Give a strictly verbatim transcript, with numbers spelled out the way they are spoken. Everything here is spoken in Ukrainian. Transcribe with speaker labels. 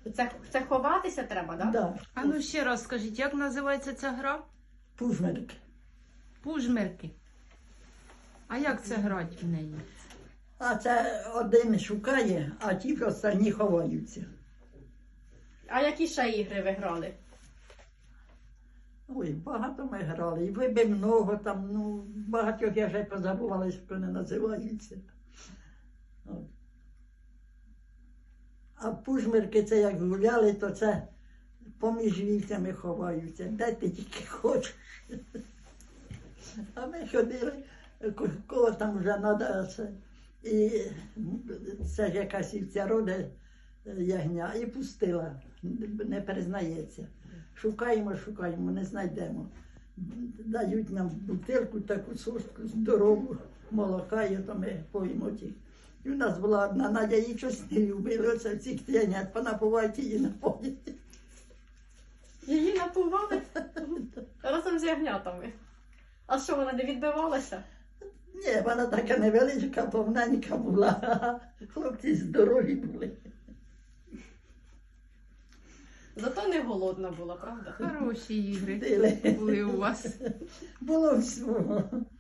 Speaker 1: Це, це ховатися треба, так? Да?
Speaker 2: Да.
Speaker 3: А ну ще раз скажіть, як називається ця гра?
Speaker 2: Пужмерки.
Speaker 3: Пужмерки. А як це грати в неї?
Speaker 2: А це один шукає, а ті останні ховаються.
Speaker 1: А які ще ігри ви грали?
Speaker 2: Ой, багато ми грали. І вибив много там, ну, багатьох я вже позабувала, як вони називаються. От. А пужмерки це як гуляли, то це поміж вівцями ховаються. Де ти тільки хочеш. А ми ходили, ко- кого там вже треба це. І це ж якась вівця роде ягня, і пустила, не признається. Шукаємо, шукаємо, не знайдемо. Дають нам бутилку, таку соску здорову, молока, і то ми поїмо ті. І у нас була одна Надя, її щось не любили, оце цих ягнят, понапувають її напоїть.
Speaker 1: Її напували разом з ягнятами. А що, вона не відбивалася?
Speaker 2: Ні, вона така невеличка, повненька була, хлопці здорові були.
Speaker 1: Зато не голодна була, правда?
Speaker 3: Хороші ігри
Speaker 2: Дили.
Speaker 3: були у вас.
Speaker 2: Було всього.